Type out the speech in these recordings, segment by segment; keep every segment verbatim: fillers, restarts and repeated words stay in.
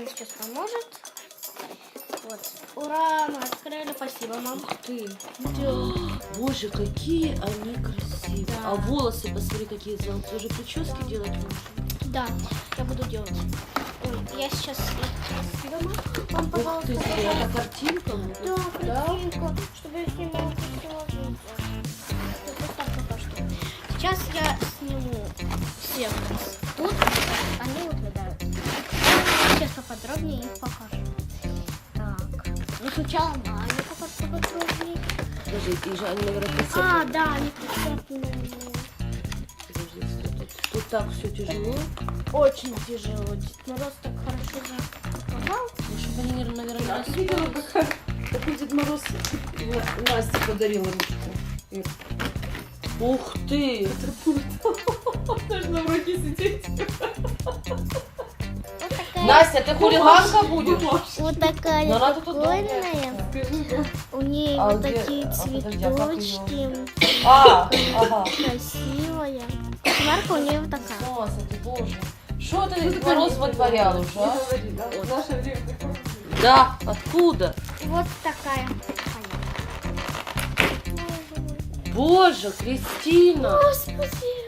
сейчас поможет. Вот. Ура, мы открыли. Спасибо, мам. Ух ты. Да. Боже, какие они красивые. Да. А волосы, посмотри, какие золотые. Уже прически Да. делать можно. Да, я буду делать. Ой, я сейчас их дома. Мам, Ух пожалуйста, ты, пожалуйста. это картинка будет? Да, картинка, чтобы я снимала красиво видео. Вот так пока что. Сейчас я сниму всех тут, они угадают. Сейчас поподробнее их покажу. Так, ну сначала Аня покажу поподробнее. Подожди, и же они, наверное, А, прицеплены. да, они прицеплены. Подожди, что тут? Тут так все тяжело. Очень тяжело. Дед Мороз так хорошо запаковал. Ну, чтобы они, наверное, не А ты видела, распались. как такой Дед Мороз Насте подарил ручку? Ир, Ух ты! это пульт. Нужно в руке сидеть. Вот такая, Настя, ты хулиганка будешь? вот такая Но надо тут прикольная. Скажи, да. У нее А вот где- такие а, подожди, а как цветочки. А, ага. Красивая. Марка у нее вот такая. С ума сойти, боже. Что ты, Дед Мороз, вытворял уже, Не а? говори, да? В наше время такое. Да, откуда? И вот такая. Боже, Кристина, Господи.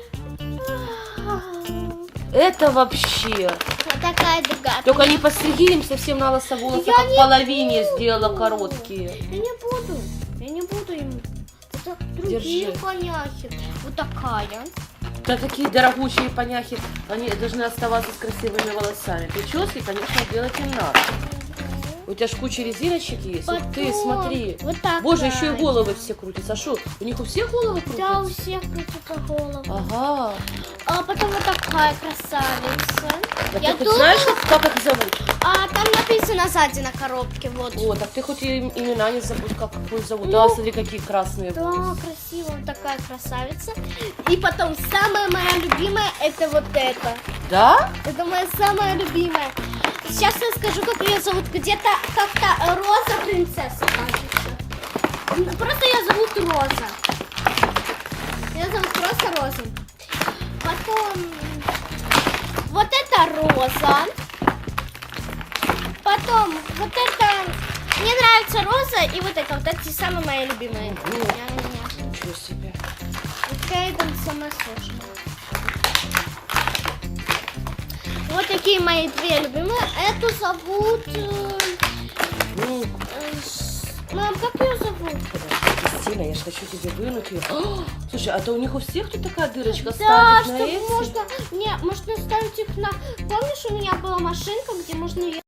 это вообще. Вот такая другая. Только не постриги им совсем на лысо волосы, Я как не половине сделала короткие. Я не буду. Я не буду им. Это другие Держи. поняхи. Вот такая. Да такие дорогущие поняхи, они должны оставаться с красивыми волосами. Прически, конечно, делать им надо. У тебя ж куча резиночек есть. Ух ты, Потом смотри. Вот так. Боже, еще и головы все крутятся. А что, у них у всех головы Да, у крутятся? всех крутится голова. Ага. А потом вот такая красавица. Так Я ты хоть думаю- знаешь, как их зовут? А там написано сзади на коробке, вот. О, так ты хоть и им- имена не забудь, как их зовут. Ну, Да, смотри, какие красные Да, волосы. красиво, вот такая красавица. И потом самая моя любимая это вот это. Да? Это моя самая любимая. Сейчас я скажу, как ее зовут. Где-то как-то Роза принцесса, кажется. Просто ее зовут Роза. Ее зовут просто Роза. Потом вот это Роза. Потом вот это... Мне нравится Роза и вот это. Вот эти самые мои любимые. Ну, Ня-ня-ня. ничего себе. Вот Кейден самая сложная. Вот такие мои две любимые. Эту зовут... э, Ну, э, с- Мам, как ее зовут? Кристина, я же хочу тебе вынуть ее. О, слушай, а это у них у всех тут такая дырочка Да, ставить на чтобы эти? можно... Не, можно ставить их на... Помнишь, у меня была машинка, где можно ее